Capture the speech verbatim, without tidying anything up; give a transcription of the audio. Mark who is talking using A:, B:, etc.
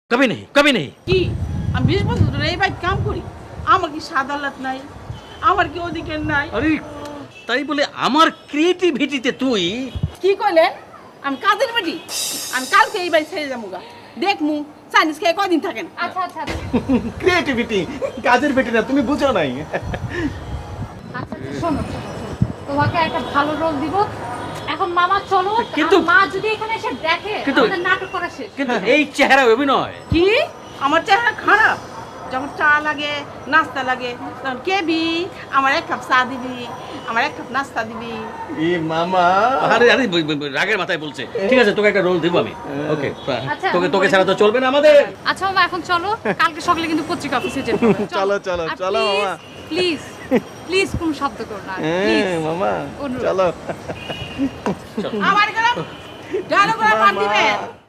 A: কবি নেই কবি নেই
B: কি আমি বিশ বছর ধরে এই বাড়িতে কাম করি, আমার কি সাদালত নাই, আমার কি অধিকার নাই?
A: আরে তাই বলে আমার ক্রিয়েটিভিটিতে তুই
B: কি কইলেন? আমি কাজের বেটি, আমি কালকে এই বাড়ি ছেড়ে যাবো গা। দেখ মু চাইনিজ খেয়ে কদিন থাকেন।
C: আচ্ছা আচ্ছা আচ্ছা
D: ক্রিয়েটিভিটি কাজের বেটি না, তুমি বুঝো নাই।
C: আচ্ছা শোনো শোনো, তোমাকে একটা ভালো রোল দিব। এখন মামা চলো,
A: কিন্তু-
C: আর মা যদি এখানে এসে দেখে
A: কিন্তু-
C: আমাদের নাটক করা শেষ।
A: কিন্তু এই চেহারা অভিনয়
B: কি আমার চেহারা খারাপ? যখন চা লাগে নাস্তা লাগে তখন কেবি আমার এক কাপ চা দিবি, আমার এক কাপ নাস্তা দিবি।
D: ই মামা,
A: আরে আরে বই- বই- বই, রাগের মাথায় বলছে। ঠিক আছে, তোকে একটা রোল দিব আমি। ওকে,
C: আচ্ছা,
A: তোকে তোকে ছাড়া তো চলবে না আমাদের।
C: আচ্ছা মামা এখন চলো, কালকে সকালে কিন্তু পত্রিকা অফিসে যেতে হবে।
D: চলো, চলো, চলো, মামা।
C: প্লিজ প্লিজ কোনো শব্দ করো না
D: হ্যাঁ
C: প্লিজ।
D: মামা
C: অনুরোধ।
D: চলো।
B: আমার গেলাম গানো করে পান দিবেন।